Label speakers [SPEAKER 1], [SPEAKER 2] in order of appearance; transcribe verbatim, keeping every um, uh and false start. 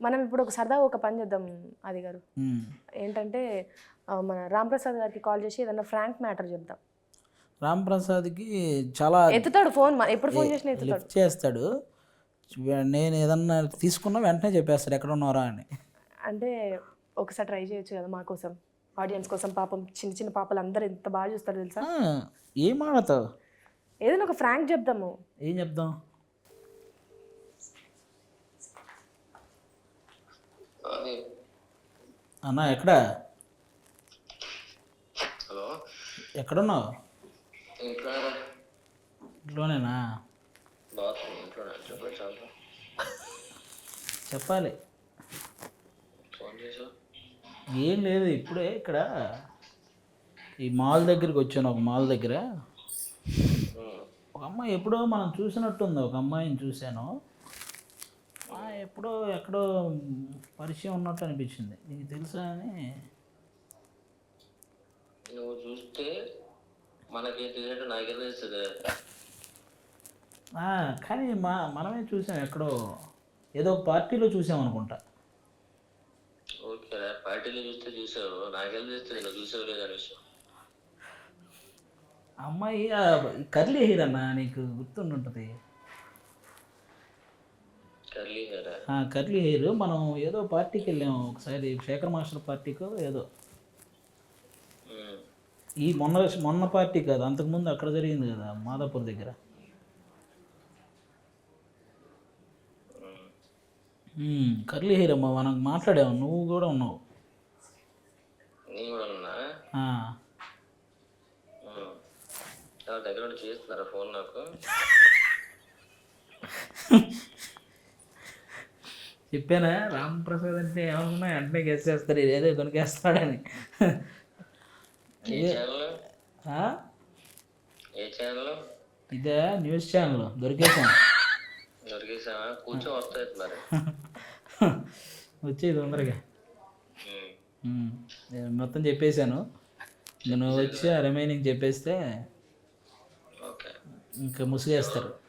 [SPEAKER 1] మనం ఇప్పుడు ఒక సరదాగా ఒక పని చేద్దాం అది గారు. ఏంటంటే ఆ, మన రామ్ ప్రసాద్ గారికి కాల్ చేసి ఏదన్నా ఫ్రాంక్ మ్యాటర్ చెప్దాం.
[SPEAKER 2] రామ్ ప్రసాద్కి చాలా
[SPEAKER 1] ఎత్తుతాడు ఫోన్, ఎప్పుడు ఫోన్ చేసినా ఎత్తుతాడు.
[SPEAKER 2] లిఫ్ట్ చేస్తాడు. నేను ఏదన్నా తీసుకున్నా వెంటనే చెప్పేస్తాడు ఎక్కడ ఉన్నారా అని.
[SPEAKER 1] అంటే ఒకసారి ట్రై చేయొచ్చు కదా మా కోసం, ఆడియన్స్ కోసం. పాపం చిన్న చిన్న పాపలు అందరూ ఎంత బాగా చూస్తారు తెలుసా.
[SPEAKER 2] ఆ, ఏం ఆడతావు?
[SPEAKER 1] ఏదైనా ఒక ఫ్రాంక్ చెప్దాము.
[SPEAKER 2] ఏం చెప్దాం? అన్నా ఎక్కడ
[SPEAKER 3] హలో,
[SPEAKER 2] ఎక్కడున్నావు?
[SPEAKER 3] ఇంట్లో
[SPEAKER 2] ఇంట్లోనేనా?
[SPEAKER 3] బాత్రూమ్ ఇంట్లో చెప్పండి. చాలా
[SPEAKER 2] చెప్పాలి.
[SPEAKER 3] ఫోన్ చేసా.
[SPEAKER 2] ఏం లేదు, ఇప్పుడే ఇక్కడ ఈ మాల్ దగ్గరికి వచ్చాను. ఒక మాల్ దగ్గర ఒక అమ్మాయి ఎప్పుడో మనం చూసినట్టుంది. ఒక అమ్మాయిని చూశాను. ఆ, ఎప్పుడో ఎక్కడో పరిచయం ఉన్నట్టు అనిపించింది. నీకు తెలుసా అని.
[SPEAKER 3] నువ్వు చూస్తే మనకి తెలియదు, నాకే తెలుస్తుంది.
[SPEAKER 2] ఆ, కానీ మా మనమే చూసాం ఎక్కడో, ఏదో ఒక పార్టీలో చూసాం అనుకుంటా.
[SPEAKER 3] ఓకే, పార్టీలో చూస్తే చూసావు, నాకెళ్ళి తెలుస్తుంది నువ్వు చూసావు లేదా విషయం.
[SPEAKER 2] అమ్మాయి కర్లీ హెయిర్ అన్న, నీకు గుర్తుంటుంది.
[SPEAKER 3] కర్లీ హెయిరా?
[SPEAKER 2] Curly hair. మనం ఏదో పార్టీకి వెళ్ళాము ఒకసారి, శేఖర్ మాస్టర్ పార్టీకో ఏదో. ఈ మొన్న మొన్న పార్టీ కాదు, అంతకుముందు అక్కడ జరిగింది కదా మాదాపూర్ దగ్గర. కర్లీ హెయిర్ అమ్మా, మనం మాట్లాడాము, నువ్వు కూడా ఉన్నావు.
[SPEAKER 3] నేను కూడా ఉన్నా. దగ్గర ఉండి చేస్తున్నారా ఫోన్ నాకు?
[SPEAKER 2] చెప్పానా రామ్ ప్రసాద్ అంటే ఏమన్నా వెంటనే గెస్ట్ చేస్తాడు, ఏదో కొనికేస్తాడని.
[SPEAKER 3] ఏ ఛానల్? ఏ ఛానల్?
[SPEAKER 2] ఇదే న్యూస్ ఛానల్. దొరికేసాం.
[SPEAKER 3] దొరికేసావా? కూర్చో, వస్తాయి మరి.
[SPEAKER 2] వచ్చేది తొందరగా. మొత్తం చెప్పేశాను. నువ్వు వచ్చి ఆ రిమైనింగ్ చెప్పేస్తే ఇంకా ముసుగేస్తారు.